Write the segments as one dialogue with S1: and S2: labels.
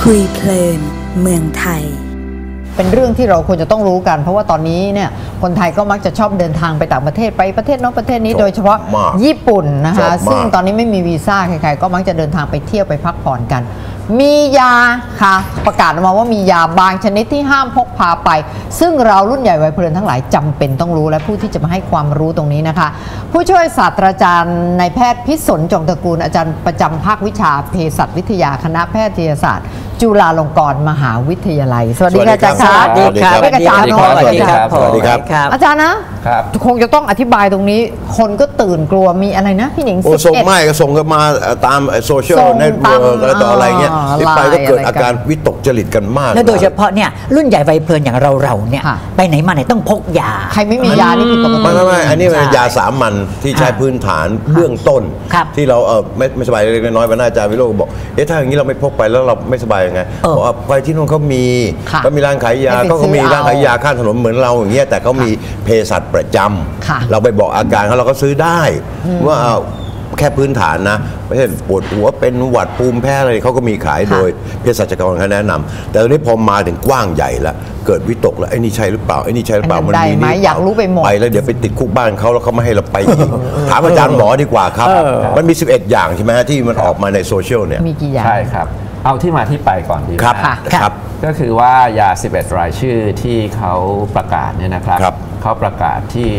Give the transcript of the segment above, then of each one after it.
S1: คุยเพลินเมืองไทย
S2: เป็นเรื่องที่เราควรจะต้องรู้กันเพราะว่าตอนนี้เนี่ยคนไทยก็มักจะชอบเดินทางไปต่างประเทศไปประเทศโน้นประเทศนี้โดยเฉพาะญี่ปุ่นนะคะซึ่งตอนนี้ไม่มีวีซ่าใครๆก็มักจะเดินทางไปเที่ยวไปพักผ่อนกันมียาค่ะประกาศออกมาว่ามียาบางชนิดที่ห้ามพกพาไปซึ่งเรารุ่นใหญ่วัยเพลินทั้งหลายจำเป็นต้องรู้และผู้ที่จะมาให้ความรู้ตรงนี้นะคะผู้ช่วยศาสตราจารย์นายแพทย์พิศลจงตระกูลอาจารย์ประจำภาควิชาเภสัชวิทยาคณะแพทยศาสตร์จุฬาลงกรณ์มหาวิทยาลัยสวัสดีค่ะอาจารย์ครับสวัสดีครับอาจารย์สวัสดีครับสวัสดีครับอาจารย์นะครับคงจะต้องอธิบายตรงนี้คนก็ตื่นกลัวมีอะไรนะพี่หนิง
S3: ส่งไม่ก็ส่งกันมาตามโซเชียลเน็ตเวิร์กอะไรต่ออะไรเงี้ยที่ไปก็เกิดอาการวิตกจริตกันมาก
S4: แล้วโดยเฉพาะเนี่ยรุ่นใหญ่วัยเพลินอย่างเราเนี่ยไปไหนมาไหนต้องพกยา
S2: ใครไม่มียานี่ผิดปกติ
S3: ไม่อันนี้เป็นยาสามัญที่ใช้พื้นฐานเบื้องต้นที่เราไม่สบายเล็กน้อยวันหน้าอาจารย์วิโรจน์บอกถ้าอย่างนี้เราไม่พกไปแล้วเราไม่สบายยังไงบอกว่าไปที่นู่นเขามีร้านขายยาก็มีร้านขายยาข้างถนนเหมือนเราอย่างเงี้ยแต่เขามีเภสัชประจำเราไปบอกอาการเขาเราก็ซื้อได้ว่าแค่พื้นฐานนะไม่ใช่ปวดหัวเป็นหวัดภูมิแพ้อะไรเขาก็มีขายโดยเภสัชกรเขาแนะนำแต่ตอนนี้พอมาถึงกว้างใหญ่แล้วเกิดวิตกแล้วไอ้นี่ใช่หรือเปล่าไอ้นี่ใช่หรือเปล่า
S2: มันมีนี่อยากรู้ไปหมด
S3: ไปแล้วเดี๋ยวไปติดคุกบ้านเขาแล้วเขาไม่ให้เราไปอีกถามอาจารย์หมอดีกว่าครับมันมี11อย่างใช่ไหมที่มันออกมาในโซเชียลเนี่ย
S2: มีกี่อย่าง
S5: ใช่ครับเอาที่มาที่ไปก่อนดี
S3: ครับ
S5: ก็คือว่ายา11รายชื่อที่เขาประกาศเนี่ยนะครับเขาประกาศที่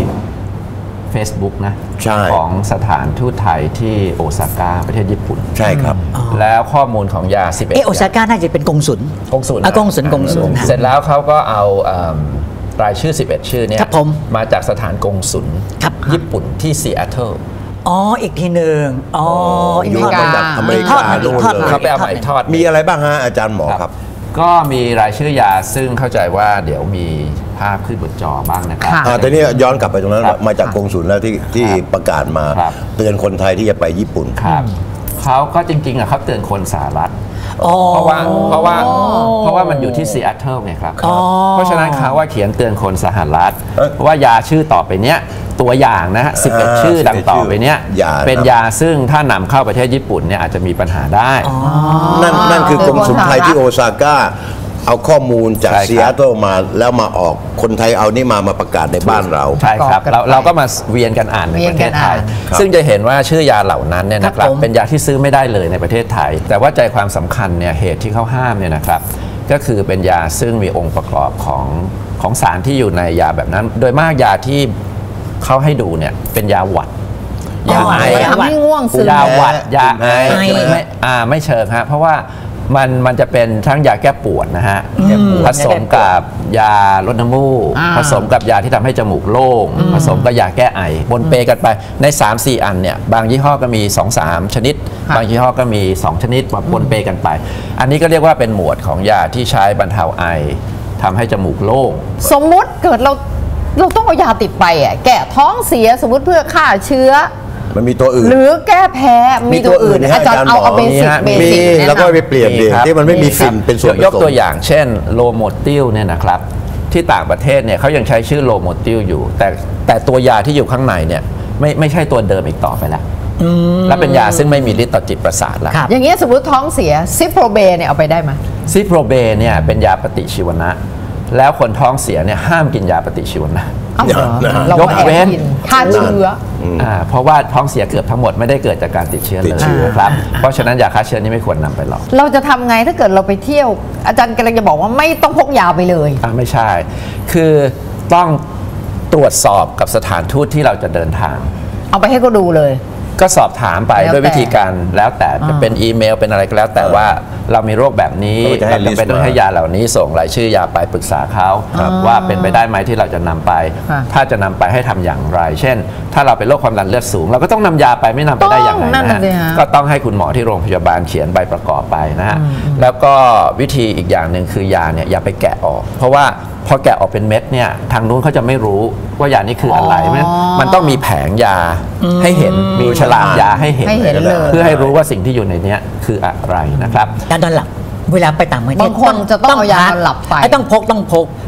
S5: Facebook นะของสถานทูตไทยที่โอซาก้าประเทศญี่ปุ่น
S3: ใช่ครับ
S5: แล้วข้อมูลของยา11
S4: โอซาก้าน่าจะเป็นกงสุล
S5: เสร็จแล้วเขาก็เอารายชื่อ11ชื่อเนี่ยมาจากสถานกงสุลญี่ปุ่นที่ซีแอตเทิล
S4: อีกทีหนึ่ง
S3: อยู่มาจากอเมริกา
S5: เขาไปเอาใหม่ทอด
S3: มีอะไรบ้างฮะอาจารย์หมอครับ
S5: ก็มีรายชื่อยาซึ่งเข้าใจว่าเดี๋ยวมีภาพขึ้นบนจอบ้างนะครับ
S3: แต่นี่ย้อนกลับไปตรงนั้นมาจากกงสุลแล้วที่ประกาศมาเตือนคนไทยที่จะไปญี่ปุ่น
S5: เขาก็จริงๆเขาเตือนคนสหรัฐเพราะว่ามันอยู่ที่ซีแอตเทิลไงครับเพราะฉะนั้นเขาว่าเขียนเตือนคนสหรัฐว่ายาชื่อต่อไปเนี้ยตัวอย่างนะฮะ11ชื่อดังต่อไปเนี้ยเป็นยาซึ่งถ้านำเข้าประเทศญี่ปุ่นเนี่ยอาจจะมีปัญหาได้
S3: นั่นคือกรมสุนไทยที่โอซาก้าเอาข้อมูลจากซีแอตเทิลมาแล้วมาออกคนไทยเอานี่มาประกาศในบ้านเรา
S5: ใช่ครับเราก็มาเวียนกันอ่านในประเทศไทยซึ่งจะเห็นว่าชื่อยาเหล่านั้นเนี่ยนะครับเป็นยาที่ซื้อไม่ได้เลยในประเทศไทยแต่ว่าใจความสำคัญเนี่ยเหตุที่เขาห้ามเนี่ยนะครับก็คือเป็นยาซึ่งมีองค์ประกอบของสารที่อยู่ในยาแบบนั้นโดยมากยาที่เขาให้ดูเนี่ยเป็นยาหวัด
S2: ยาไอทำให้ง่วงซึม
S5: ยาหวัดยาไอไม่เชิงฮะเพราะว่ามันจะเป็นทั้งยาแก้ปวดนะฮะผสมกับยาลดน้ำมูกผสมกับยาที่ทำให้จมูกโล่งผสมกับยาแก้ไอปนเปกันไปใน 3-4 อันเนี่ยบางยี่ห้อก็มี 2-3 ชนิดบางยี่ห้อก็มี2ชนิดปนเปกันไปอันนี้ก็เรียกว่าเป็นหมวดของยาที่ใช้บรรเทาไอทำให้จมูกโล่ง
S2: สมมุติเกิดเราต้องเอายาติดไปอ่ะแก้ท้องเสียสมมติเพื่อฆ่าเชื้อ
S3: มันมีตัวอื่น
S2: หรือแก้แพ้มีตัวอื่นอาจารย์เอาเบสิก
S3: แล้วก็ไปเปลี่ยนดีที่มันไม่มีฟินเป็นส่วนผสม
S5: ยกตัวอย่างเช่นโลโมติลเนี่ยนะครับที่ต่างประเทศเนี่ยเขายังใช้ชื่อโลโมติลอยู่แต่ตัวยาที่อยู่ข้างในเนี่ยไม่ใช่ตัวเดิมอีกต่อไปแล้วและเป็นยาซึ่งไม่มีฤทธิ์ต่อจิตประสาทแล้ว
S2: อย่างเงี้ยสมมติท้องเสียซิโปรเบเนี่ยเอาไปได้ไหม
S5: ซิโปรเบเนี่ยเป็นยาปฏิชีวนะแล้วคนท้องเสียเนี่ยห้ามกินยาปฏิชีวนะยกเว้น
S2: ฆ่าเชื้อ
S5: เพราะว่าท้องเสียเกือบทั้งหมดไม่ได้เกิดจากการติดเชื้อเลยครับเพราะฉะนั้นยาฆ่าเชื้อนี้ไม่ควรนำไปหรอก
S2: เราจะทำไงถ้าเกิดเราไปเที่ยวอาจารย์กำลังจะบอกว่าไม่ต้องพกยาไปเลย
S5: ไม่ใช่คือต้องตรวจสอบกับสถานทูตที่เราจะเดินทาง
S2: เอาไปให้เขาดูเลย
S5: ก็สอบถามไปด้วยวิธีการแล้วแต่จะเป็นอีเมลเป็นอะไรก็แล้วแต่ว่าเรามีโรคแบบนี้เราจำเป็นต้องให้ยาเหล่านี้ส่งรายชื่อยาไปปรึกษาเขาว่าเป็นไปได้ไหมที่เราจะนำไปถ้าจะนำไปให้ทำอย่างไรเช่นถ้าเราเป็นโรคความดันเลือดสูงเราก็ต้องนำยาไปไม่นำไปได้อย่างไรนะก็ต้องให้คุณหมอที่โรงพยาบาลเขียนใบประกอบไปนะฮะแล้วก็วิธีอีกอย่างหนึ่งคือยาเนี่ยอย่าไปแกะออกเพราะว่าพอแกะออกเป็นเม็ดเนี่ยทางนู้นเขาจะไม่รู้ว่ายานี้คืออะไรมันต้องมีแผงยาให้เห็นมีฉลากยาให้เห็นเพื่อให้รู้ว่าสิ่งที่อยู่ในนี้คืออะไรนะครับ
S4: การนอนหลับเวลาไปต่างประเทศ
S2: บางคนจะต้องเอายานอนหลับไป
S4: ต้องพก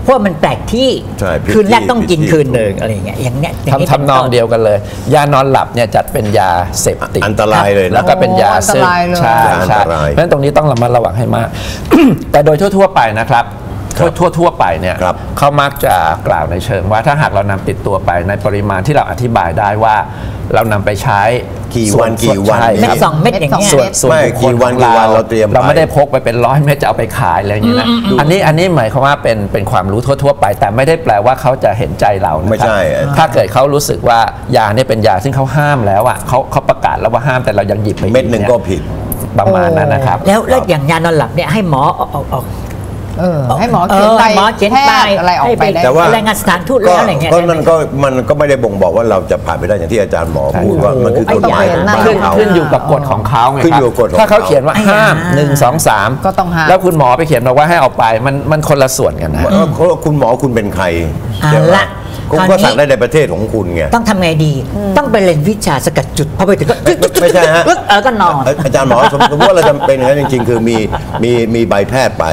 S4: เพราะมันแปลกที่
S3: ใช่
S4: คืนแรกต้องกิน
S3: ผิดที่
S4: คืนหนึ่งอะไรอย่างเงี้ยอย่างเนี้ยอย่างนี้
S5: ทำนองเดียวกันเลย ยานอนหลับเนี่ยจัดเป็นยาเสพติด
S3: อันตรายเลยนะ
S5: แล้วก็เป็นยาซึ่ง
S2: อันตรายเลย
S5: ใช่
S3: อัน
S5: ใช่
S3: ตราย
S5: เพราะฉะนั้นตรงนี้ต้องระมัดระวังให้มาก แต่โดยทั่วๆไปนะครับ ทั่วไปเนี่ย
S3: ครับ
S5: เขามักจะกล่าวในเชิงว่าถ้าหากเรานำติดตัวไปในปริมาณที่เราอธิบายได้ว่าเรานำไปใช้
S3: กี่
S5: ส่
S3: วันกี่วัน
S5: ใช่
S4: เม็ด
S5: ครับ
S4: สองเม็ดอย่างเงี้ย
S5: ส่วน
S3: ไม่
S5: บุคคล
S3: กี่วัน
S5: ของ
S3: กี่วันเราเตรียมไป
S5: เราไม่ได้พกไปเป็น100 เม็ดจะเอาไปขายอะไรอย่างนี้นะอันนี้หมายความว่าเป็นความรู้ทั่วๆไป แต่ไม่ได้แปลว่าเขาจะเห็นใจเรานะครับ
S3: ไม่ใช่
S5: ถ้าเกิดเขารู้สึกว่ายาเนี่ยเป็นยาซึ่งเขาห้ามแล้วอ่ะเขาประกาศแล้วว่าห้ามแต่เรายังหยิบไป
S3: เม็ดหนึ่งก็ผิด
S5: ประมาณนั้นนะครับ
S4: แล้วอย่างยานอนหลับเนี่ยให้หมอออก
S2: ให้หมอเขียนใบ
S4: หมอเขียน
S2: แพ
S4: ใบ
S2: ทย์อะไรออกไปได้
S3: แต่ว่า
S4: รายงานสถานทูตแล้วอะไรเงี้ย
S3: ก็นั่นก็มันก็ไม่ได้บ่งบอกว่าเราจะผ่านไปได้อย่างที่อาจารย์หมอพูดว่ามันคือกฎหมายของบ้าน
S5: ขึ้น
S3: เขา
S5: ขึ้นอยู่กับกฎของเขาไง
S3: ขึ้น
S5: ครั
S3: อยู่กับกฎของ
S5: ถ้าเขาเขียนว่า
S4: ไอ้ยา
S5: ห้าม1 2 3
S2: ก็ต้องห้าม
S5: แล้วคุณหมอไปเขียนบอกว่าให้เอาไปมันคนละส่วนกันนะ
S3: คุณหมอคุณเป็นใคร
S4: เอา
S3: ใช่ไหม
S4: ละ
S3: คุณ
S4: คราว
S3: ก็
S4: นี้
S3: สั่งได้ในประเทศของคุณไง
S4: ต้องทำไงดี ต้องไปเรียนวิชาสกัดจุดพอไปถึงก็
S3: ไม่ใช่ฮะ
S4: ก็นอน
S3: อาจารย์หมอสมมติว่าเราจำเป็นอย่างนั้นจริงๆ คือมีใบแพทย์ไป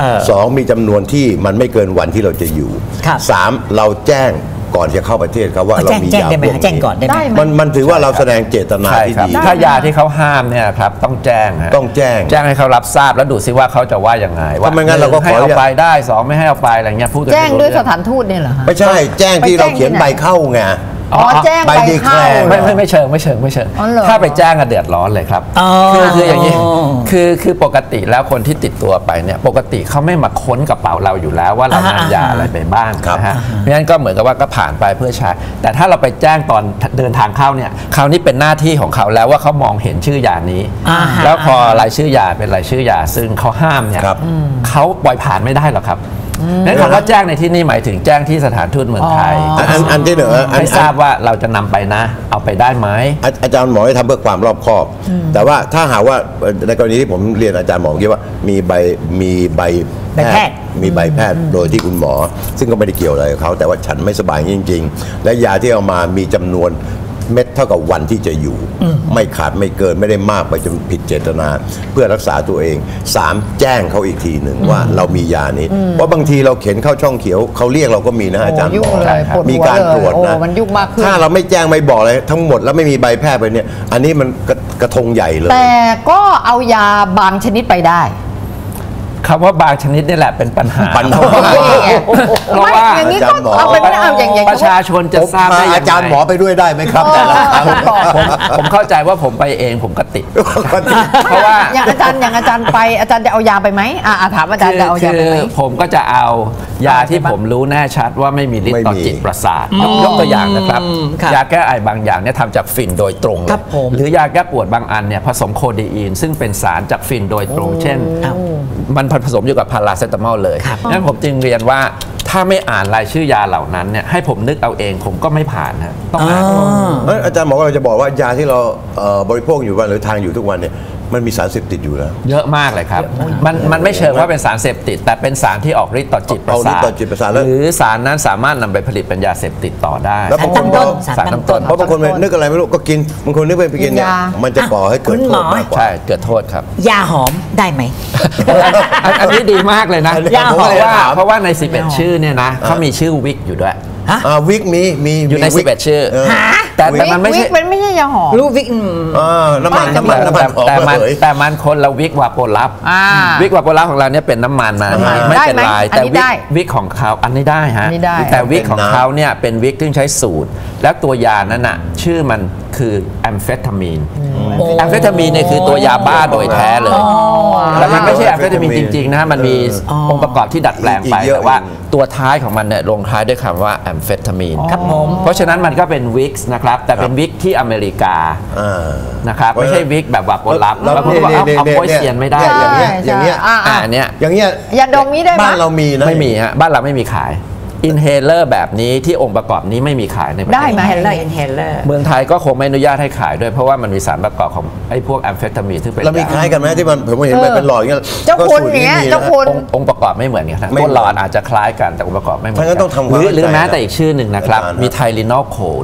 S3: 2 มีจำนวนที่มันไม่เกินวันที่เราจะอยู่
S4: ครับ
S3: 3 เราแจ้งก่อนจะเข้าประเทศครับว่าเรามี
S4: แจ้ง
S3: ยา
S4: ได้ไหม
S3: พวก
S4: แจ้งก่อนได้ไหม
S2: ได้ไหม
S3: มันถือว่าเราแสดงเจตนา
S5: ใช่
S3: ที่
S5: ครับ
S3: ดี
S5: ถ้ายาที่เขาห้ามเนี่ยครับต้องแจ้งฮะ
S3: ต้องแจ้ง
S5: แจ้งให้เขารับทราบแล้วดูซิว่าเขาจะว่ายังไงว่า
S3: ถ้าไม่งั้นเราก็
S5: ให้
S3: ขอ
S5: เอาไปได้2ไม่ให้เอาไปอะไรเงี้ยพูดกัน
S2: แจ้ง
S5: ไม่รู้
S2: ด้วย
S5: เรื่
S2: ส
S5: อง
S2: ถานทูตเนี่ยเหรอฮะ
S3: ไม่ใช่แจ้งที่เราเขียนใบเข้าไง
S2: อ๋อแจ้ง
S3: ใบ
S2: ใบ
S3: ดีแคล
S2: เข้า
S3: ร์
S5: ไม่เชิง
S2: อ๋อเหรอ
S5: ถ้าไปแจ้งอะเดือดร้อนเลยครับ
S4: อ๋อ
S5: คืออย่างนี้คือปกติแล้วคนที่ติดตัวไปเนี่ยปกติเขาไม่มาค้นกระเป๋าเราอยู่แล้วว่าเรานำยาอะไรไปบ้าง
S3: ครับ
S5: นะฮะเพราะฉะนั้นก็เหมือนกับว่าก็ผ่านไปเพื่อใช้แต่ถ้าเราไปแจ้งตอนเดินทางเข้าเนี่ยคราวนี้เป็นหน้าที่ของเขาแล้วว่าเขามองเห็นชื่อยานี้ แล้วพอรายชื่อยาเป็นรายชื่อยาซึ่งเขาห้ามเนี่ย
S3: ครับ
S5: เขาปล่อยผ่านไม่ได้หรอกครับนั้นคำว่าแจ้งในที่นี่หมายถึงแจ้งที่สถานทูตเมืองไทย
S3: อันที่หนึ่งอัน
S5: ให้ทราบว่าเราจะนำไปนะ เอาไปได้ไหม
S3: อาจารย์หมอให้ทำเพื่อความรอบคอบ แต่ว่าถ้าหากว่าในกรณีที่ผมเรียนอาจารย์หมอเมื่อกี้ว่ามีใบแพทย์มีใบแพทย์โดยที่คุณหมอ ซึ่งก็ไม่ได้เกี่ยวอะไรกับเขาแต่ว่าฉันไม่สบายจริง ๆ และยาที่เอามามีจำนวนเม็ดเท่ากับวันที่จะอยู่ ไม่ขาดไม่เกินไม่ได้มากไปจนผิดเจตนา เพื่อรักษาตัวเอง 3 แจ้งเขาอีกทีหนึ่งว่าเรามียานี้ เพราะบางทีเราเข็นเข้าช่องเขียวเขาเรียกเราก็มีนะอาจารย์
S2: ยุ่
S3: บ
S2: ง
S3: อก
S2: เลยปวดหัว
S3: มีการตรวจ
S2: เลย
S3: นะ
S2: โอ้มันยุ่งมากขึ้น
S3: ถ้าเราไม่แจ้งไม่บอกเลยทั้งหมดแล้วไม่มีใบแพทย์ไปเนี่ย อันนี้มันกระทงใหญ่เลย
S2: แต่ก็เอายาบางชนิดไปได้
S5: คำว่าบางชนิดนี่แหละเป็นปัญหา
S3: ปัญหา
S5: เพราะว่า
S2: ไม่อย่างนี้ก็
S3: อาจารย์หมอ
S2: เอาไปไม่ได้เอาอย่าง
S5: ประชาชนจะทราบได้ยังไง
S3: อาจารย์หมอไปด้วยได้ไหมครับแต่ละครั้ง
S5: ผมเข้าใจว่าผมไปเองผมก็ติด เพราะว่า
S2: อย่างอาจารย์ไปอาจารย์จะเอายาไปไหมถามอาจารย์จะเอายาไปไหม
S5: ผมก็จะเอายาที่ผมรู้แน่ชัดว่าไม่มีฤทธิ์ต่อ
S3: ไม่มี
S5: จิตประสาทยกตัวอย่างนะครับ
S4: ครับ
S5: ยาแก้ไอบางอย่างเนี่ยทำจากฝิ่นโดยตรงเลย
S4: ครับผม
S5: หรือยาแก้ปวดบางอันเนี่ยผสมโคเดอีนซึ่งเป็นสารจากฝิ่นโดยตรง เช่น มันผสมอยู่กับพาราเซตามอลเลยงั้นผมจึงเรียนว่าถ้าไม่อ่านรายชื่อยาเหล่านั้นเนี่ยให้ผมนึกเอาเองผมก็ไม่ผ่านนะต้องอ่าน
S3: อาจารย์หมอก็เราจะบอกว่ายาที่เราบริโภคอยู่วันหรือทานอยู่ทุกวันเนี่ยมันมีสารเสพติดอยู่แล้ว
S5: เยอะมากเลยครับ มันไม่เชิงว่าเป็นสารเสพติด แต่เป็นสารที่ออกฤทธิ์ต่อจิตประ
S3: เอาฤทธิ์
S5: สาท
S3: ต่อจิตประสาทแล้ว
S5: หรือสารนั้นสามารถนำไปผลิตเป็นยาเสพติดต่อได้
S3: แล้วบางคนก็
S4: สารตั้งต้น
S3: เพราะบางคนไปนึกอะไรไม่รู้ก็กินบางคนนึกไปกินเนี่ย
S2: กินยา
S3: มันจะก่อให้เกิด
S4: คุณ
S3: โท
S4: หม
S3: ษ
S4: อ
S3: มากกว่า
S5: ใช่เกิดโทษครับ
S4: ยาหอมได้ไหม
S5: อันนี้ดีมากเลยนะ
S3: ยาหอม
S5: เพราะว่าใน 11 ชื่อเนี่ยนะเขามีชื่อวิกอยู่ด้วย
S3: วิกมี
S5: อยู่ใน
S3: วิก
S5: 11 ชื่อ
S4: หา
S5: แต่มันไม่ใช่
S2: วิกเป็นไม่ใช่ยาหอม
S4: รู้วิก
S3: น้ำมันหอม
S5: แต่มันคนละวิกวาโปลับ วิกวาโปลับของเราเนี่ยเป็นน้ำมันมา
S2: น้ำมัน
S5: ไม่เป็น
S2: ได้ไหม
S5: ลาย
S2: อัน
S5: แต่
S2: นี้ได้
S5: วิกของเขาอันนี้ได้ฮะ
S2: อันนี้ได้
S5: แต่วิกของเขาเนี่ยเป็นวิกที่ใช้สูตร แล้วตัวยานั้นน่ะชื่อมันคือแอมเฟตามีนแอมเฟตามีนเนี่ยคือตัวยาบ้าโดยแท้เลยแล้วมันไม่ใช่แอมเฟตามีนจริงๆนะมันมีองค์ประกอบที่ดัดแปลงไปแต่ว่าตัวท้ายของมันเนี่ยลงท้ายด้วยคำว่าแอมเฟตามีน
S4: ครับผม
S5: เพราะฉะนั้นมันก็เป็นวิกนะครับแต่เป็นวิกที่อเมริกานะครับไม่ใช่วิกแบบวาโปลับแล้วคุณก็บอกเอาโปยเซียนไม่ได้
S3: อย่างเงี้ย
S5: อันเนี้ย
S3: อย่างเงี้ย
S2: ยาดมนี้ได้ไหม
S3: บ้านเรามีนะ
S5: ไม่มีฮะบ้านเราไม่มีขายอินเฮเลอร์แบบนี้ที่องค์ประกอบนี้ไม่มีขายในประเทศ
S2: ได้ไหม
S4: เฮลเลอร์เฮลเลอร์
S5: เมืองไทยก็คงไม่อนุญาตให้ขายด้วยเพราะว่ามันมีสารประกอบของไอ้พวกแอมเฟตามีนซึ่งเป็น
S3: เรามีคล้ายกันไหมที่มันผมเห็นมันเป็นหลอดอย่างเงี้ย
S2: เจ้าคุณ
S3: ก็สูตร
S2: เนี้ย
S3: มีะ
S2: เจ้าคุณ
S5: องค์ประกอบไม่เหมือนกันนะ
S3: ไม่
S5: ตัวหลอดอาจจะคล้ายกันแต่องค์ประกอบไม่เหมือน
S3: ถ้างั้นต้องทำความ
S5: หรือ
S3: เข้าใจ
S5: แม้แต่อีกชื่อหนึ่งนะครับ
S3: อาจารย์
S5: มีไทลินอลโคด้วย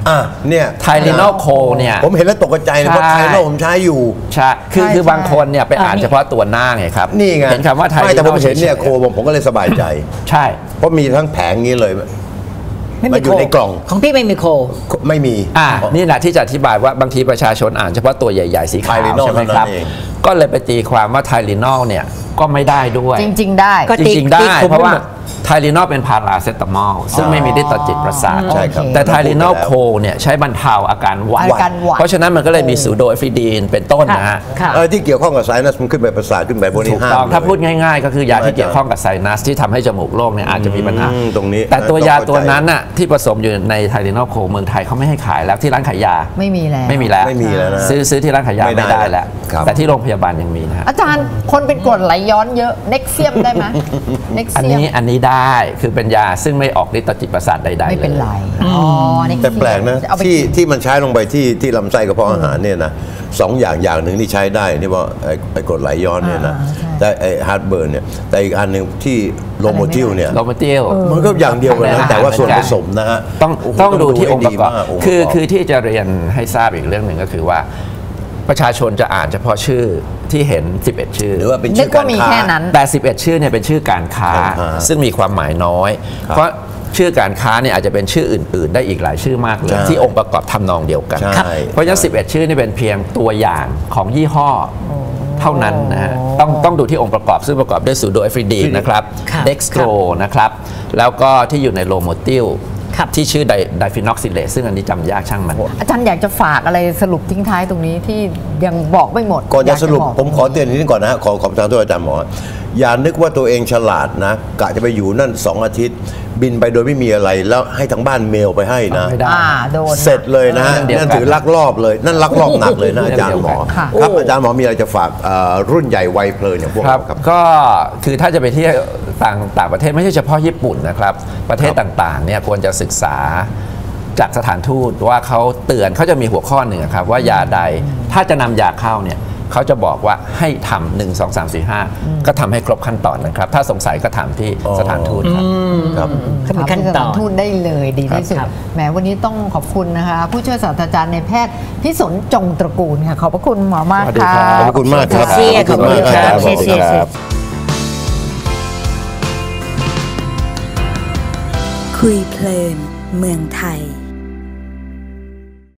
S3: เนี่ย
S5: ไทลินอลโคเนี่ย
S3: ผมเห็นแล้วตกใจเลยเพราะไทลินอลผมใช้อยู่
S5: ใช่คือบางคนเนี่ยไปอ่านเฉพาะตัวหน้าไงครับ
S3: นี่ไง
S5: เห็นคำว่าไทลินอล
S3: แต่ผมเห็นเนี่ยโคผมก็เลยสบายใจ
S5: ใช่
S3: เพราะมีทั้งแผงนี้เลย
S4: มัน
S3: อยู่ในกล่อง
S4: ของพี่ไม่มีโค
S3: ไม่มี
S5: นี่แหละที่จะอธิบายว่าบางทีประชาชนอ่านเฉพาะตัวใหญ่ๆสีขาวใช่ไหมครับก็เลยไปตีความว่าไทลินอลเนี่ยก็ไม่ได้ด้วย
S2: จริงๆได้
S5: จริงๆได้เพราะว่าไทลินอลเป็นพาราเซตามอลซึ่งไม่มีฤทธิ์ต่อจิตประสาทแต่ไทลินอลโคเนี่ยใช้บรรเทาอาการหวัดเพราะฉะนั้นมันก็เลยมีซูโดเอฟิดีนเป็นต้นนะฮะ
S3: ที่เกี่ยวข้องกับไซนัสมันขึ้นไปประสาทขึ้นไปพวกนี้ห้าม
S5: ถ้าพูดง่ายๆก็คือยาที่เกี่ยวข้องกับไซนัสที่ทำให้จมูกโล่งเนี่ยอาจจะมีปัญหา
S3: ตรงนี้
S5: แต่ตัวยาตัวนั้นน่ะที่ผสมอยู่ในไทลินอลโคเมืองไทยเขาไม่ให้ขายแล้วที่ร้านขายยา
S2: ไม่มีแล้ว
S5: นะซื้อที่ร้านขายยาไม่ได้แล้วแต่ที่โรงพยาบาลยังมีนะ
S2: อาจารย์คนเป็นกรดไหลย้อนเยอะเน็กเซียมได้ไหม
S5: อันนี้ได้คือเป็นยาซึ่งไม่ออกฤทธิ์ต่อจิตประสาทใดๆ
S2: ไม่เป็นไร
S3: แต่แปลกนะที่มันใช้ลงไปที่ลำไส้กระเพาะอาหารเนี่ยนะ2 อย่างหนึ่งที่ใช้ได้นี่ว่าไอ้กรดไหลย้อนเนี่ยนะแต่ไอ้ฮาร์ดเบิร์นเนี่ยแต่อีกอันหนึ่งที่โลโมติลเนี่ยมันก็อย่างเดียวกันนะแต่ว่าส่วนผสมนะฮะ
S5: ต้องดูที่องค์ประกอบคือที่จะเรียนให้ทราบอีกเรื่องหนึ่งก็คือว่าประชาชนจะอ่านเฉพาะชื่อที่เห็น11ชื่อ
S3: หรือว่าเป็นชื่อการค้า
S5: แต่11ชื่อเนี่ยเป็นชื่อการค้าซึ่งมีความหมายน้อยเพราะชื่อการค้าเนี่ยอาจจะเป็นชื่ออื่นๆได้อีกหลายชื่อมากเลยที่องค์ประกอบทำนองเดียวกันเพราะฉะนั้น11ชื่อนี่เป็นเพียงตัวอย่างของยี่ห้อเท่านั้นนะฮะต้องดูที่องค์ประกอบซึ่งประกอบด้วยซูโดเอฟริดีนนะครับเด็กสโตรนะครับแล้วก็ที่อยู่ในโลโมติลที่ชื่อไดฟินอกซิเลตซึ่งอันนี้จำยากช่างมัน
S2: อาจารย์อยากจะฝากอะไรสรุปทิ้งท้ายตรงนี้ที่ยังบอกไม่หมด
S3: ก่อนจะสรุปผมขอเตือนนิดนึงก่อนนะขอประทานโทษอาจารย์หมออย่านึกว่าตัวเองฉลาดนะกะจะไปอยู่นั่น2 อาทิตย์บินไปโดยไม่มีอะไรแล้วให้ทางบ้านเมลไปให้นะเสร็จเลยนะนั่นถือลักลอบเลยนั่นลักลอบหนักเลยนะอาจารย์หมอครับอาจารย์หมอมีอะไรจะฝากรุ่นใหญ่วัยเพลินอย่างพวกเราครับ
S5: ก็คือถ้าจะไปที่ต่างประเทศไม่ใช่เฉพาะญี่ปุ่นนะครับประเทศต่างๆเนี่ยควรจะศึกษาจากสถานทูตว่าเขาเตือนเขาจะมีหัวข้อหนึ่งครับว่ายาใดถ้าจะนำยาเข้าเนี่ยเขาจะบอกว่าให้ทำ1 2 3 4 5ก็ทำให้ครบขั้นตอนนะครับถ้าสงสัยก็ถามที่สถานทูต
S2: ครับถามที่สถานทูตได้เลยดีที่สุดแหมวันนี้ต้องขอบคุณนะคะผู้ช่วยศาสตราจารย์ในแพทย์พิสนจงตระกูลค่ะขอบพระคุณหมอมากค่ะ
S3: ขอบคุณมากครับ
S4: ขอบคุณครับ
S1: คุยเพลินเมืองไทย